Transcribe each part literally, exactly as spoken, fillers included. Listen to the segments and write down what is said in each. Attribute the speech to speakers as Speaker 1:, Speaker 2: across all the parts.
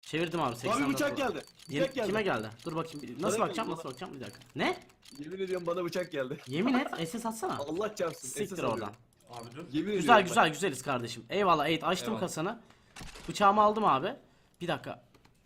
Speaker 1: Çevirdim abi seksen.
Speaker 2: Abi bıçak geldi.
Speaker 1: Yeni-
Speaker 2: Bıçak geldi.
Speaker 1: Kime geldi? Dur bakayım. Nasıl
Speaker 2: Bana
Speaker 1: bakacağım?
Speaker 2: geldi,
Speaker 1: Nasıl bakacağım? Bir dakika. Ne?
Speaker 2: Yemin ediyorum bana bıçak geldi.
Speaker 1: Yemin et. S S atsana.
Speaker 2: Allah çarpsın.
Speaker 1: Siktir
Speaker 2: S S alıyorum.
Speaker 1: oradan.
Speaker 3: Abi dur.
Speaker 2: Yemin
Speaker 1: Güzel
Speaker 2: ediyorum
Speaker 1: güzel güzeliz kardeşim. Eyvallah Eğit açtım
Speaker 3: Eyvallah.
Speaker 1: kasanı. Bıçağımı aldım abi. Bir dakika.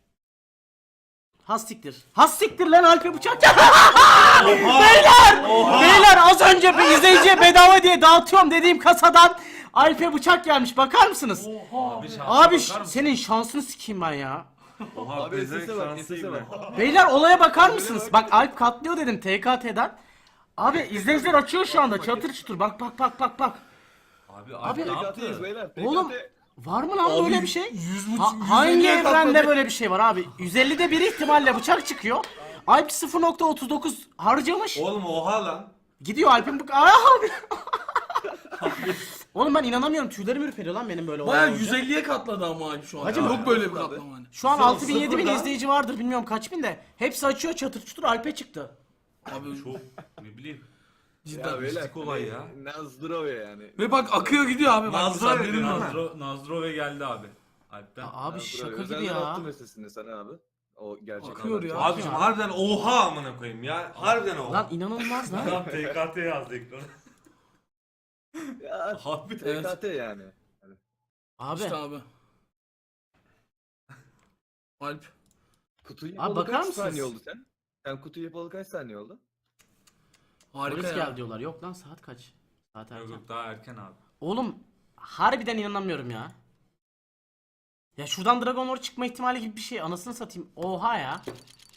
Speaker 1: Has siktir. Has siktir lan Alp'e bıçak. Beyler! Beyler az önce bir izleyiciye bedava diye dağıtıyorum dediğim kasadan Alp'e bıçak gelmiş. Bakar mısınız?
Speaker 3: Abi, şansa
Speaker 1: Abi
Speaker 3: bakar
Speaker 1: ş-
Speaker 3: mısın?
Speaker 1: senin şansını sikeyim ben ya.
Speaker 3: Oha
Speaker 2: Abi
Speaker 3: bezenek
Speaker 2: S S'e bak,
Speaker 3: şansıyım
Speaker 2: S S'e
Speaker 3: ben.
Speaker 2: bak.
Speaker 1: Beyler olaya bakar mısınız? Bak Alp katlıyor dedim T K T'den. Abi izleyiciler açıyor şu anda çatır çutur. Bak bak bak bak bak.
Speaker 3: Abi
Speaker 1: Abi-
Speaker 3: abi ne
Speaker 2: T K T'yiz
Speaker 3: yaptı?
Speaker 2: beyler.
Speaker 1: Oğlum var mı lan böyle bir şey?
Speaker 4: yüz
Speaker 1: Ha- hangi evrende böyle bir şey var abi? yüz ellide bir ihtimalle bıçak çıkıyor. Alp sıfır nokta otuz dokuz harcamış.
Speaker 3: Oğlum oha lan.
Speaker 1: Gidiyor Alp'in bu... Aa abi. Oğlum ben inanamıyorum. Tüylerim ürperiyor lan benim böyle
Speaker 4: Baya
Speaker 1: olunca.
Speaker 4: yüz elliye katladı ama abi şu an.
Speaker 1: Hacım,
Speaker 4: Yok böyle bir
Speaker 2: abi.
Speaker 4: katlama hani.
Speaker 1: Şu an
Speaker 3: Sıfır-
Speaker 1: altı bin yedi bin
Speaker 3: sıfırdan-
Speaker 1: izleyici vardır bilmiyorum kaç bin de. Hepsi açıyor çatır çutur Alp'e çıktı.
Speaker 4: Abi
Speaker 3: Çok ne bileyim.
Speaker 4: cidden.
Speaker 2: Ya beyler.
Speaker 3: mistik olay ya.
Speaker 2: Nazdrove yani.
Speaker 4: Ve bak akıyor gidiyor abi. Bak mesela
Speaker 3: Nazdrove
Speaker 4: benim Nazro.
Speaker 3: Nazdro, Nazdrove geldi abi. Alp'ten.
Speaker 1: Ya abi
Speaker 2: Nazdrove.
Speaker 1: şaka gibi
Speaker 2: Özelden
Speaker 1: ya.
Speaker 2: attım mesajını sana abi. O gerçek.
Speaker 4: Akıyor ya.
Speaker 3: Abicim harbiden oha amına koyayım ya. Harbiden oha.
Speaker 1: Lan inanılmaz lan.
Speaker 3: Adam T K T yazdı ekrana.
Speaker 2: Ya
Speaker 3: Harbiden.
Speaker 4: Evet.
Speaker 2: T K T yani.
Speaker 1: Abi.
Speaker 4: İşte abi. Alp.
Speaker 2: Kutuyu
Speaker 1: Abi
Speaker 2: yapalı
Speaker 1: bakar
Speaker 2: kaç
Speaker 1: mısınız?
Speaker 2: saniye oldu sen? Sen kutuyu yapalı kaç saniye oldu?
Speaker 4: Harika
Speaker 1: Polis
Speaker 4: ya.
Speaker 1: geldi diyorlar. Yok lan saat kaç? Saat
Speaker 3: Yok
Speaker 1: erken.
Speaker 3: yok daha erken abi.
Speaker 1: Oğlum harbiden inanamıyorum ya. Ya şuradan Dragon Lord çıkma ihtimali gibi bir şey. Anasını satayım. Oha ya.